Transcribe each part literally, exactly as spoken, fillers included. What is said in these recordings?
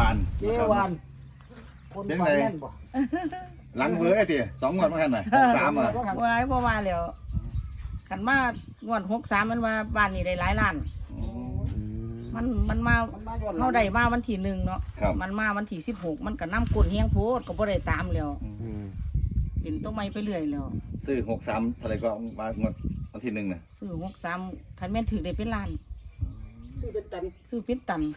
านเจวานคนฝันแม่นบ่หลังเวอร์ไอ้ทีสองงวดมาแค่ไหนสามอ่ะไว้บ่ว่าแล้วขันมางวดหกสามมันว่าบ้านนี้ได้หลายล้าน มันมันมามันมาย้อนหลังเขาได้มาวันที่หนึ่งเนาะครับมันมาวันที่สิบหกมันก็น้ำกุนเฮียงโพดก็บ่ได้ตามแล้วอืมกินต้นไม้ไปเรื่อยแล้วซื้อหกสามเท่าไหรก็มางวดวันที่หนึ่งน่ะซื้อหกสามคันแม่นถือได้เป็นล้านซื้อเป็นตันซื้อเป็นตัน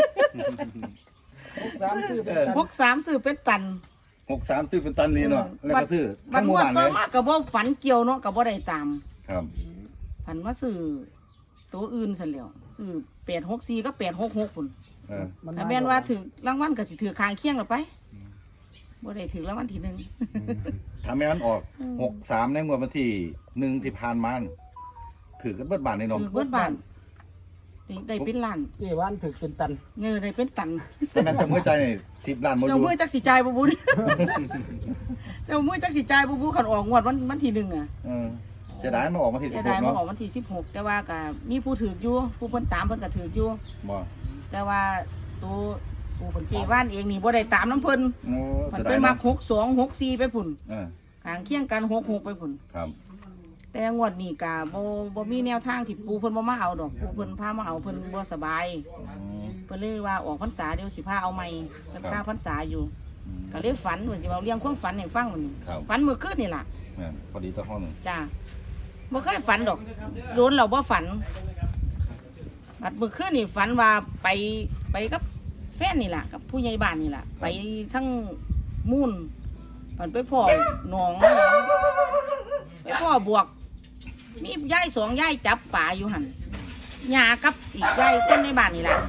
สามซื้อเป็นตันหกสามซื้อเป็นตันหกสามซื้อเป็นตันนี่เนาะแล้วก็ซื้อบัทั้ดงหมู่งวดบ้านต่เลอย มาก็บ่ฝันเกี่ยวเนาะก็บ่ได้ตามครับผันว่าซื้อตัวอื่นซะแล้วซื้อแปดหกสี่ก็แปดหกหกพุ่นเออถ้าแม่นว่าถือรางวัลก็สิถือคางเคียงแล้วไปบ่ได้ถือรางวัลที่หนึ่งถ้าไม่งั้นออกหกสามในงวดวันที่หนึ่งที่ผ่านมาถือกันเบิดบานในนมถือเบิดบ้านได้ได้เป็นล้านเจวานถือเป็นตันเงินได้เป็นตันแต่แม่นสมมติใจนี่สิบล้านโมเจ้ายูมือจักสิจ่ายบ่บุญ เจ้ามือจักสิจ่ายบ่บุคันออกงวดวันวันที่หนึ่งอ่ะเออเสียดายมาออกมาที่สิเสีบยหดาก ยมาเนาะออกวันที่สิบหกแต่ว่าก็มีผู้ถืออยู่ผู้เพิ่นตามเพิ่นก็ถืออยู่บ่แต่ว่าตัวผู้เพิ่นเจว่านเองนี่บ่ได้ตามน้ำเพิ่นโอ้มัเสีนยไปดายมัเนาะกหกสองหกสี่ไปพุ่นเออข้างเคียงกันหกหกไปพุ่นครับแต่งวดนี้ก็บ่บ่มีแนวทางที่ปู่เพิ่นบ่มาเอาดอกปู่เพิ่นพามาเอาเพิ่นบ่สบายอืมเพิ่นเลยว่าออกพรรษาเดี๋ยวสิพาเอาใหม่เพิ่นครับค่าพรรษาอยู่อืมก็เลยฝันว่าสิเอาเรื่องความฝันให้ฟังมื้อนี้ครับฝันเมื่อคืนนี่ล่ะแม่นพอดีตัวห้องหนึ่งจ้าบ่เคยฝันดอกโดนเราบ่ฝันบัดเมื่อคืนนี่ฝันว่าไปไปกับแฟนนี่ล่ะกับผู้ใหญ่บ้านนี่ล่ะ ไปทั้งมูนฝันไปพ่อหนองหนองไปพ่อบวก มียายสองยายจับป่าอยู่หั่นยากับอีกยายคนในบ้านนี่ล่ะ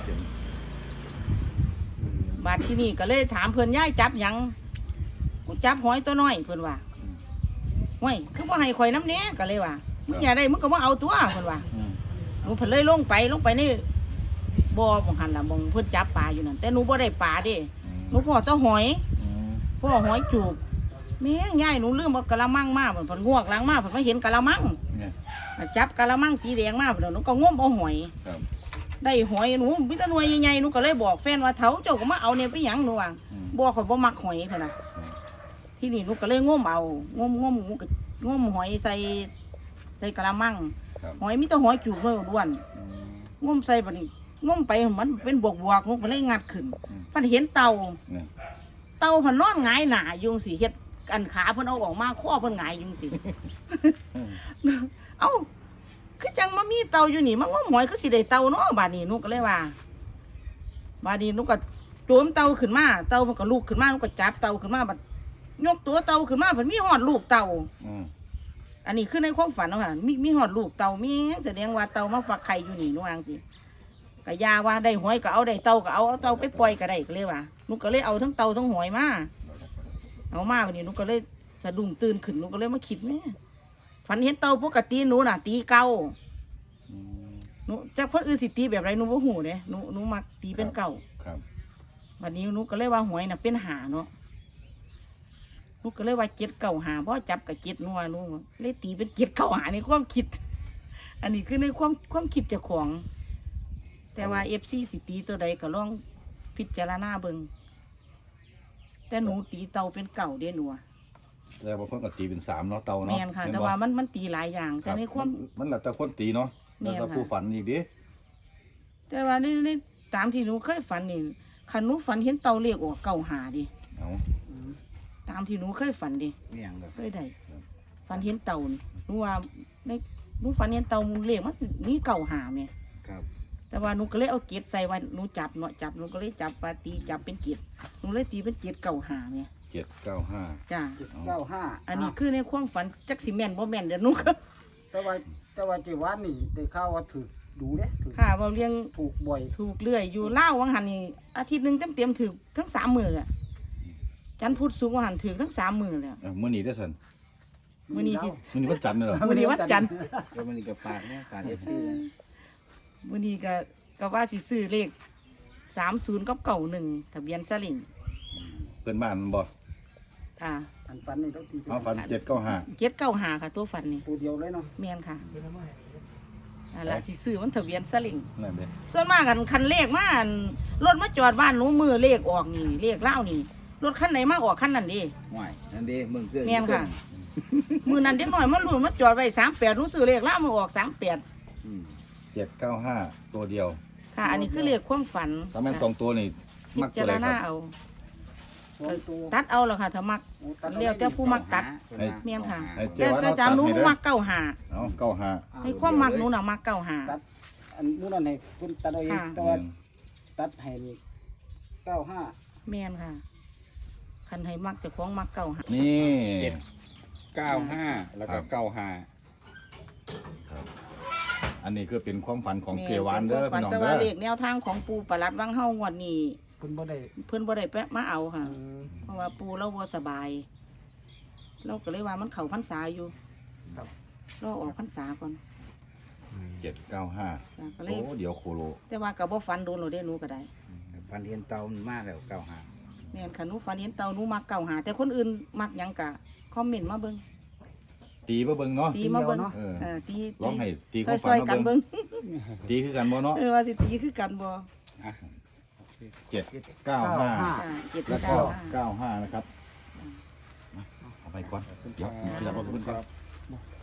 บาดที่นี่ก็เลยถามเพิ่นยายจับหยังกูจับหอยตัวน้อยเพิ่นว่าห้วยคือว่าให้ข่อยน้ำเนี้ยก็เลยว่ามึงอย่าได้มึงก็มาเอาตัวเพิ่นว่าอืมหนูเพิ่นเลยลงไปลงไปในบ่อบ่หันล่ะบ่งเพิ่นจับปลาอยู่นั่นแต่หนูบ่ได้ปลาเด้หนูพ่อแตะหอยอืมพ่อหอยจูบแม่ยายหนูลืมเอากะละมังมาเพิ่นเพิ่นงวกหลังมาเพิ่นมาเห็นกะละมังเนี่ยจับกะละมังสีแดงมาเพิ่นหนูก็งมเอาหอยครับได้หอยหนูมีแต่หน่วยใหญ่ๆหนูก็เลยบอกแฟนว่าเฒ่าเจ้าก็มาเอาเนี่ยไปหยังหนูว่าอืมบ่ข่อยบ่มักหอยเพิ่นน่ะที่นี่หนูก็เลยงมเอางมงมหนูก็งมหอยใส่ใส่กะละมังครับหอยมีแต่หอยจูบเลยด้วนอืมงมใส่บัดนี้งมไปมันเป็นบวกบวกๆหนูก็เลยงัดขึ้นอืมเพันเห็นเต่าเนี่ยเต่าเพันนอนหงายหน้าอยู่จังสิเฮ็ดอันขาเพิ่นเอาออกมาข้อเพิ่นหงายอยู่จังสิ เอ้าคือจังมามีเต่าอยู่นี่มันงมหอยคือสิได้เต่าเนาะบาดนี้หนูก็เลยว่าบาดนี้หนูก็โจมเต่าขึ้นมาเต่ามันก็ลูกขึ้นมาหนูก็จับเต่าขึ้นมาบัดยกตัวเต่าขึ้นมาเพิ่นมีหอดลูกเต่าอืมอันนี้คือในความฝันเนาะค่ะมีมีหอดลูกเต่ามีหยังแสดงว่าเต่ามาฝักไข่อยู่นี่หนูว่าจังสิก็ยาว่าได้หอยก็เอาได้เต่าก็เอาเอาเต่าไปปล่อยก็ได้ก็เลยว่าหนูก็เลยเอาทั้งเต่าทั้งหอยมาเอามาวันนี้หนูก็เลยสะดุ้งตื่นขึ้นหนูก็เลยมาคิดแม่ฝันเห็นเต่าปกติหนูน่ะ ตีเก่าอืมหนูจากคนอื่นสิตีแบบไรหนูบ่หูเด้หนูหนูมักตีเป็นเก่าครับวันนี้หนูก็เลยว่าหวยน่ะเป็นหาเนาะหนูก็เลยว่าเจ็ดเก่าหาเพราะจับกับเจ็ดหนัวหนูเลยตีเป็นเจ็ดเก่าหาในความคิด อันนี้คือในความความคิดเจ้าของ แต่ว่าเอฟซีสิตีตัวใดก็ลองพิจารณาเบิงแต่หนูตีเตาเป็นเก่าเด้หนูอะแต่บางคนก็ตีเป็นสามเนาะเตาแมเนาะนค่ะเห็แต่บ่ว่ามันมันตีหลายอย่างคแต่รับในความมันแล้วแต่คนตีเนาะแม่แล้วนแต่ค่ะผู้ฝันอีกดิแต่ว่าในในตามที่หนูเคยฝันนี่คันหนูฝันเห็นเตาเรียกออกเก่าหาดิเอาตามที่หนูเคยฝันดิเมี่ยงแบบเคยได้ฝันเห็นเตานี่หนูว่าในหนูฝันเห็นเตาเรียกมันสิมีเก่าหาไหมครับแต่ว่าหนูก็เลยเอาเกล็ดใส่ไว้หนูจับเนาะจับหนูก็เลยจับปลาตีจับเป็นเกล็ดหนูเลยตีเป็นเกล็ดเก่าหาไหมเจ็ดเก้าห้าจ้าเก้าห้าอันนี้คือในความฝันจักสิแม่นบ่แม่นเดี๋ยวหนูก็แต่ว่าแต่ว่าเจวานนี่ได้ข่าวว่าถือดูเด้ถือค่ะเราเลี้ยงถูกบ่อยถูกเรื่อยอยู่เล่าววังหันนี่อาทิตย์หนึ่งเต็มเต็มๆถือทั้งสามมือเลยจันทร์พุธสูงวังหันถือทั้งสามมือเลยเอ้ามื้อนี้ได้อสันมื้อนี้ที่มื้อนี้วันจันทร์เหรอมื้อนี้วันจันทร์ก็มันนี่กับปากเนี่ยปากเอฟซีนะมื้อนี้ก็ก็ว่าสิซื้อเลขสามศูนย์กับเก่าหนึ่งทะเบียนสลิงเพื่อนบ้านบ่ค่ะอันฝันนี่ต้องตีเป็นเอาฝันเจ็ดเก้าห้าเจ็ดเก้าหาค่ะ ตัวฝันนี่ตัวเดียวเลยเนาะเมียนค่ะนั่นล่ะสิซื้อมันทะเบียนสลิงนั่นเด้ส่วนมากกันคันเลขมาอั่นรถมาจอดบ้านหนูมือเลขออกนี่เลขเล่าวนี่รถคันไหนมาออกคันนั้นเดิห่วยนั่นดิมึงเครื่องแม่นค่ะ มือนั้นเด็กน้อยมันรุ่นมาจอดไว้สามแปดหนูซื้อเลขเล่าวมันออกสามแปดอืมเจ็ดเก้าห้าตัวเดียวค่ะ อันนี้คือเลขความฝันถ้าแม่นสองตัวนี่พิมักจาตัวรใดคณารับเอาสองตัวตัดเอาแล้วค่ะถ้ามัก เรียกเจ้าผู้มักตัดเพิ่นว่าแม่นค่ะไอ้แต่แต่จำหนูหนูมักเก้าหาเอาเก้าห้าในความมักหนูน่ะมักเก้าหาตัดอันนู้นนั่นให้คุณตัดเอาเองค่ะแต่ว่าตัดให้นี่เก้าห้าแม่นค่ะ คันให้มักเจะคล้าของมักเก้าหานี่เจ็ดเก้าห้าแล้วก็เก้าห้าครับอันนี้คือเป็นความฝันของแม่เกวานเด้อฝัพี่น้องแต่เด้ว่าอเลขแนวทางของปูประหลัดวังเฮางวดนี้คุณบ่ได้เพิ่นบ่ได้แปะมาเอาค่ะอืมเพราะว่าปูเราบ่สบาย เราก็เลยว่ามันเข้าพรรษาอยู่ครับเราออกพรรษาก่อนเจ็ดเก้าห้าจ้ะก็เลโอ้ยเดี๋ยวโคโลแต่ว่าก็บ่ฝันโดนโลดเด้หนูก็ได้ฟันเทียนเตามันมาแล้วเก้าห้าแม่นค่ะหนูฝันเห็นเต่าหนูมักเก่าหา แต่คนอื่นมักหยังกะคอมเมนต์มาเบิ่งตีบ่เบิ่งเนาะตีมาเบิ่งเออเออตีร้องให้ตีซความฝัอน ยๆมากันเบิ่เบิ่งงตีคือกันบ่เนาะเออว่าสิตีคือกันบ่อ่ะเจ็ดเก้าห้าอ่าเจ็ดแล้วก็เก้าห้าเก้าห้านะครับเอาไปก่อนเดี๋ยวเสียบรถขึ้นก่อน